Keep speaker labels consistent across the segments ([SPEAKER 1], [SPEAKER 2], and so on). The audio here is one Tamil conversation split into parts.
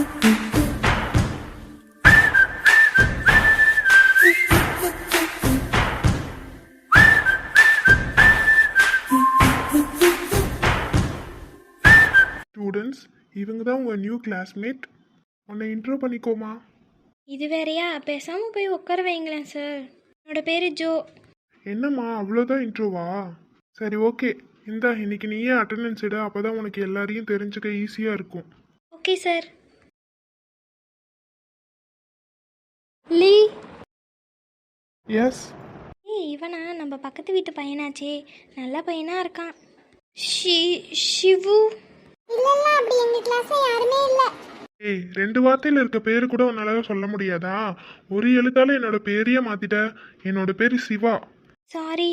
[SPEAKER 1] ஸ்டூடெண்ட்ஸ், இவங்க தான் உங்கள் நியூ கிளாஸ்மேட். உன்னை இன்ட்ரோ பண்ணிக்கோமா.
[SPEAKER 2] இது வேறையா? பேசாமல் போய் உட்கார வைங்களேன் சார். என்னோட பேர் ஜோ.
[SPEAKER 1] என்னம்மா அவ்வளோதான் இன்ட்ரோவா? சரி, ஓகே. இந்தா இன்னைக்கு நீயே அட்டெண்டன்ஸ் எடு, அப்போ தான் உனக்கு எல்லாரையும் தெரிஞ்சுக்க ஈஸியாக இருக்கும்.
[SPEAKER 2] Okay sir. லீ.
[SPEAKER 1] எஸ்.
[SPEAKER 2] இவனா நம்ம பக்கத்து வீட்டு பையனாச்சே, நல்ல பையனா இருக்கான். சிவு.
[SPEAKER 3] இல்ல அப்படி எங்க கிளாஸ்ல யாருமே இல்ல.
[SPEAKER 1] ஏய், 2 வார்த்தையில் இருக்க பேரு கூட உன்னால சொல்ல முடியாதா? ஒரு எழுத்தால என்னோட பேரையே மாத்திட்ட. என்னோட பேரு சிவா.
[SPEAKER 2] சாரி.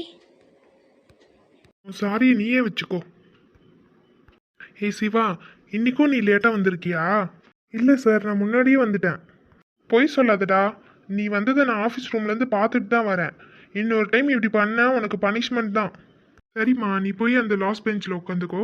[SPEAKER 1] சாரி நீயே வச்சுக்கோ. ஏய் சிவா, இன்னைக்கும் நீ லேட்டாக வந்திருக்கியா? இல்லை சார், நான் முன்னாடியே வந்துட்டேன். பொய் சொல்லாதடா. நீ வந்ததை நான் ஆஃபீஸ் ரூம்லேருந்து பார்த்துட்டு தான் வரேன். இன்னொரு டைம் இப்படி பண்ணா உனக்கு பனிஷ்மெண்ட் தான். சரிம்மா, நீ போய் அந்த லாஸ்ட் பெஞ்சில் உட்காந்துக்கோ.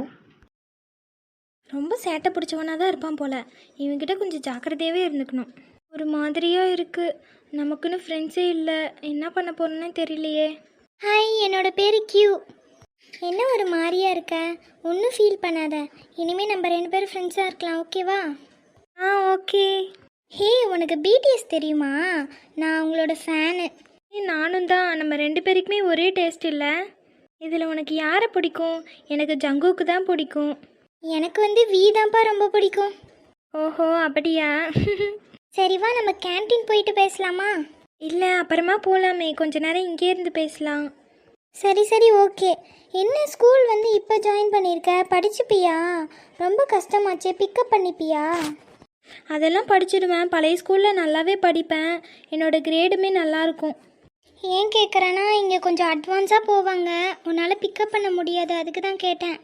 [SPEAKER 2] ரொம்ப சேட்டை பிடிச்சவனா தான் இருப்பான் போல. இவன்கிட்ட கொஞ்சம் ஜாக்கிரதையாகவே இருந்துக்கணும். ஒரு மாதிரியாக இருக்குது. நமக்குன்னு ஃப்ரெண்ட்ஸே இல்லை. என்ன பண்ண போகிறோன்னு தெரியலையே.
[SPEAKER 3] ஹாய், என்னோட பேரு கியூ. என்ன ஒரு மாதிரியா இருக்க? ஒன்றும் ஃபீல் பண்ணாத. இனிமேல் நம்ம 2 பேரும் ஃப்ரெண்ட்ஸாக இருக்கலாம், ஓகேவா?
[SPEAKER 2] ஓகே.
[SPEAKER 3] ஹே, உனக்கு பிடிஎஸ் தெரியுமா? நான் உங்களோட ஃபேனு.
[SPEAKER 2] நானும் தான். நம்ம 2 பேருக்குமே ஒரே டேஸ்ட் இல்லை. இதில் உனக்கு யாரை பிடிக்கும்? எனக்கு ஜங்குக்கு தான் பிடிக்கும்.
[SPEAKER 3] எனக்கு வி தான்ப்பா ரொம்ப பிடிக்கும்.
[SPEAKER 2] ஓஹோ, அப்படியா?
[SPEAKER 3] சரி வா, நம்ம கேன்டீன் போயிட்டு பேசலாமா?
[SPEAKER 2] இல்லை, அப்புறமா போகலாமே. கொஞ்ச நேரம் இங்கே இருந்து பேசலாம்.
[SPEAKER 3] சரி ஓகே. என்ன ஸ்கூல் இப்போ ஜாயின் பண்ணியிருக்க? படிச்சுப்பியா? ரொம்ப கஷ்டமாச்சே, பிக்கப் பண்ணிப்பியா?
[SPEAKER 2] அதெல்லாம் படிச்சிடுவேன். பழைய ஸ்கூலில் நல்லாவே படிப்பேன். என்னோடய கிரேடுமே நல்லாயிருக்கும்.
[SPEAKER 3] ஏன் கேட்குறேன்னா, இங்கே கொஞ்சம் அட்வான்ஸாக போவாங்க. உன்னால் பிக்கப் பண்ண முடியாது, அதுக்கு தான் கேட்டேன்.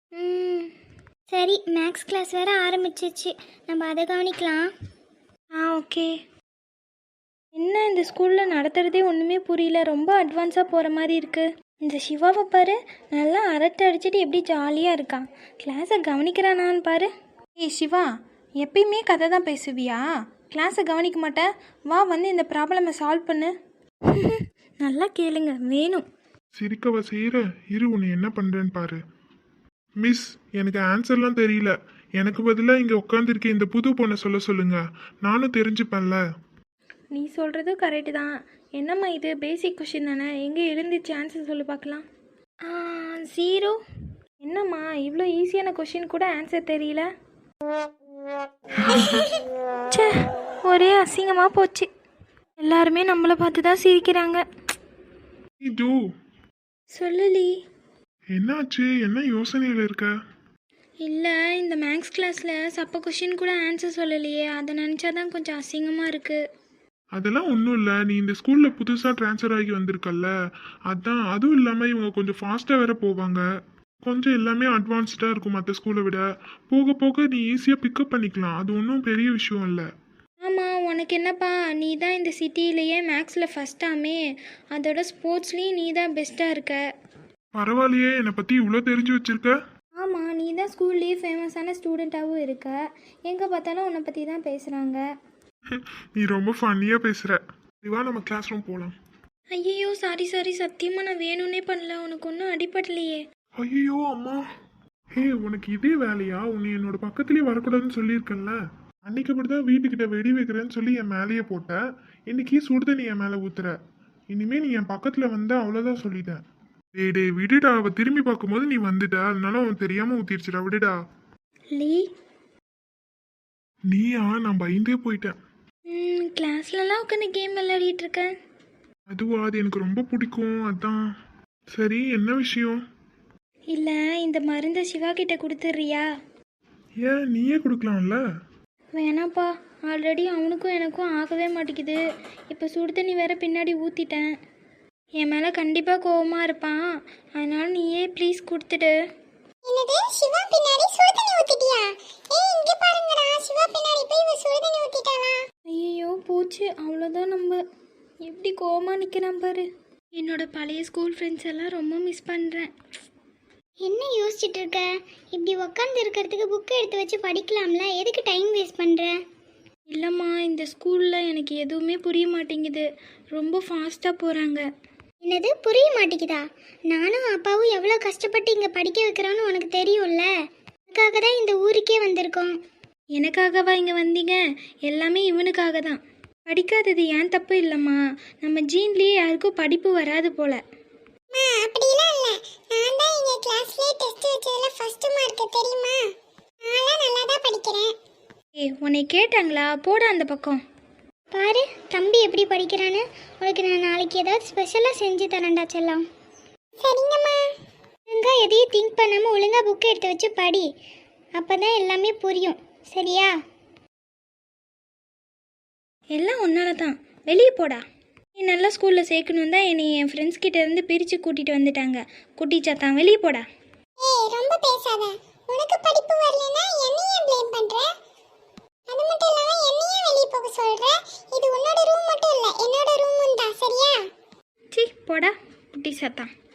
[SPEAKER 3] சரி, மேக்ஸ் கிளாஸ் வேறு ஆரம்பிச்சிச்சு, நம்ம அதை கவனிக்கலாம்.
[SPEAKER 2] ஓகே. என்ன இந்த ஸ்கூலில் நடத்துகிறதே ஒன்றுமே புரியல. ரொம்ப அட்வான்ஸாக போகிற மாதிரி இருக்குது. இந்த சிவாவை பாரு, நல்லா அரட்டை அடிச்சுட்டு எப்படி ஜாலியாக இருக்கான். கிளாஸை கவனிக்கிறானான்னு பாரு. ஏய் சிவா, எப்பயுமே கதை தான் பேசுவியா? கிளாஸை கவனிக்க மாட்டேன். வா, வந்து இந்த ப்ராப்ளமை சால்வ் பண்ணு. நல்லா கேளுங்க, வேணும்.
[SPEAKER 1] சிரிக்கவா செய்கிற? இரு, உன்னை என்ன பண்ணுறேன்னு பாரு. மிஸ், எனக்கு ஆன்சர்லாம் தெரியல. எனக்கு பதிலாக இங்கே உட்காந்துருக்க இந்த புது பொண்ணை சொல்லுங்க. நானும் தெரிஞ்சுப்பேன்ல.
[SPEAKER 2] நீ சொல்கிறது கரெக்டு தான். என்னம்மா இது பேசிக் கொஷின் தானே? எங்கே எழுந்துச்சு ஆன்சர் சொல்லி பார்க்கலாம். 0. என்னம்மா இவ்வளோ ஈஸியான கொஷின் கூட ஆன்சர் தெரியல? சே, ஒரே அசிங்கமாக போச்சு. எல்லாருமே நம்மளை பார்த்து தான் சிரிக்கிறாங்க.
[SPEAKER 1] இது
[SPEAKER 2] சொல்லலி.
[SPEAKER 1] என்னாச்சு? என்ன யோசனையில் இருக்க?
[SPEAKER 2] இல்லை, இந்த மேக்ஸ் கிளாஸில் சப்ப கொஷின் கூட ஆன்சர் சொல்லலையே, அதை நினச்சாதான் கொஞ்சம் அசிங்கமாக இருக்குது.
[SPEAKER 1] அதெல்லாம் ஒன்றும் இல்லை. நீ இந்த ஸ்கூலில் புதுசாக ட்ரான்ஸ்ஃபர் ஆகி வந்திருக்கல்ல, அதான். அதுவும் இல்லாமல் இவங்க கொஞ்சம் ஃபாஸ்ட்டாக வேற போவாங்க. கொஞ்சம் எல்லாமே அட்வான்ஸ்டாக இருக்கும் மற்ற ஸ்கூலை விட. போக போக நீ ஈஸியாக பிக்கப் பண்ணிக்கலாம். அது ஒன்றும் பெரிய விஷயம் இல்லை.
[SPEAKER 2] ஆமாம், உனக்கு என்னப்பா? நீ தான் இந்த சிட்டியிலேயே மேக்ஸில் ஃபஸ்ட்டாமே. அதோட ஸ்போர்ட்ஸ்லேயும் நீ தான் பெஸ்ட்டாக இருக்க.
[SPEAKER 1] பரவாயில்லையே, என்னை பற்றி இவ்வளோ தெரிஞ்சு வச்சிருக்க.
[SPEAKER 2] ஆமாம், நீ தான் ஸ்கூல்லேயே ஃபேமஸான ஸ்டூடெண்ட்டாகவும் இருக்க. எங்கே பார்த்தாலும் உன்னை பற்றி தான் பேசுகிறாங்க.
[SPEAKER 1] நீ ரொம்ப ஃபன்னியாக பேசுகிற. வா, நம்ம கிளாஸ் ரூம் போகலாம்.
[SPEAKER 2] ஐயோ, சாரி, சத்தியமாக நான் வேணும்னே பண்ணல. உனக்கு ஒன்றும் அடிபடலையே.
[SPEAKER 1] ஐயோ அம்மா. ஹே, உனக்கு இதே வேலையா? உன்னை என்னோட பக்கத்துலேயே வரக்கூடாதுன்னு சொல்லியிருக்கேன்ல. அன்னைக்கு அப்படி தான் வீட்டுக்கிட்ட வெடி வைக்கிறேன்னு சொல்லி என் மேலேயே போட்ட. இன்னைக்கு சுடுதண்ணி என் மேலே ஊத்துற. இனிமே நீ என் பக்கத்தில் வந்தா அவ்வளோதான் சொல்லிட்டேன். டேய் விடுடா. அவ திரும்பி பார்க்கும்போது நீ வந்துட்ட, அதனால அவன் தெரியாம ஊத்திடுச்சுடா, விடுடா.
[SPEAKER 2] லீ.
[SPEAKER 1] நீயா? நான் பயந்தே போயிட்டேன்.
[SPEAKER 2] கிளாஸ்லலாம் உட்காந்து கேம் விளையாடிட்டு இருக்கேன்.
[SPEAKER 1] அதுவா? அது எனக்கு ரொம்ப பிடிக்கும், அதான். சரி, என்ன விஷயம்?
[SPEAKER 2] இல்லை, இந்த மருந்தை சிவா கிட்ட கொடுத்துட்றியா?
[SPEAKER 1] ஏன், நீயே கொடுக்கலாம்ல.
[SPEAKER 2] வேணாப்பா, ஆல்ரெடி அவனுக்கும் எனக்கும் ஆகவே மாட்டேங்குது. இப்போ சுடு தண்ணி வேற பின்னாடி ஊற்றிட்டேன். என் மேலே கண்டிப்பாக கோவமாக இருப்பான். அதனால நீயே ப்ளீஸ் கொடுத்துடு.
[SPEAKER 3] என்னது, சிவா பின்னாடி சுடுதண்ணி ஊத்திட்டியா? ஏய், இங்க பாருங்கடா, சிவா பின்னாடி போய் இவ சுடுதண்ணி ஊத்திட்டாளா?
[SPEAKER 2] ஐயோ போச்சு, அவ்வளோதான். நம்ம எப்படி கோவமாக நிற்கிறான் பாரு. என்னோட பழைய ஸ்கூல் ஃப்ரெண்ட்ஸ் எல்லாம் ரொம்ப மிஸ் பண்ணுறேன்.
[SPEAKER 3] என்ன யோசிச்சுட்டு இருக்க? இப்படி உட்காந்து இருக்கிறதுக்கு புக்கை எடுத்து வச்சு படிக்கலாம்ல, எதுக்கு டைம் வேஸ்ட் பண்ற?
[SPEAKER 2] இல்லைம்மா இந்த ஸ்கூலில் எனக்கு எதுவுமே புரிய மாட்டேங்குது, ரொம்ப ஃபாஸ்ட்டாக போகிறாங்க.
[SPEAKER 3] என்னது புரிய மாட்டேங்குதா? நானும் அப்பாவும் எவ்வளோ கஷ்டப்பட்டு இங்கே படிக்க வைக்கிறோன்னு உனக்கு தெரியும்ல. அதுக்காக தான் இந்த ஊருக்கே வந்திருக்கோம்.
[SPEAKER 2] எனக்காகவா இங்கே வந்தீங்க? எல்லாமே இவனுக்காக தான். படிக்காதது ஏன் தப்பு இல்லைம்மா, நம்ம ஜீன்லேயே யாருக்கும் படிப்பு வராது போல.
[SPEAKER 3] அப்படிலாம் இல்லை, நான் தான் எங்கள் கிளாஸ்லேயே டெஸ்ட் வச்சதுல ஃபர்ஸ்ட் மார்க் தெரியுமா? நான்லாம் நல்லா தான் படிக்கிறேன்.
[SPEAKER 2] ஏய் உன்னை கேட்டாங்களா? போட அந்த பக்கம்.
[SPEAKER 3] பாரு தம்பி எப்படி படிக்கிறான்னு. உனக்கு நான் நாளைக்கு ஏதாவது ஸ்பெஷலாக செஞ்சு தரேன்டா செல்லம். சரிங்கம்மா. ஒழுங்காக எதையும் திங்க் பண்ணாமல் ஒழுங்காக புக்கை எடுத்து வச்சு படி, அப்போ தான் எல்லாமே புரியும். சரியா?
[SPEAKER 2] எல்லாம் உன்னால தான், வெளியே போடா. நீ நல்ல ஸ்கூலில் சேர்க்கணும் தான் என்னை என் ஃப்ரெண்ட்ஸ் கிட்ட இருந்து பிரித்து கூட்டிகிட்டு வந்துட்டாங்க. குட்டி சாத்தான் வெளியே போடா.
[SPEAKER 3] ஏய் ரொம்ப பேசாத. உனக்கு படிப்பு வரலனா என்னையே ப்ளேம் பண்ற? அது மட்டும் இல்லாம என்னையே வெளிய போக சொல்ற? இது உன்னோட ரூம் மட்டும் இல்ல, என்னோட ரூமும் தான். சரியா?
[SPEAKER 2] சீ போடா குட்டி சாத்தான்.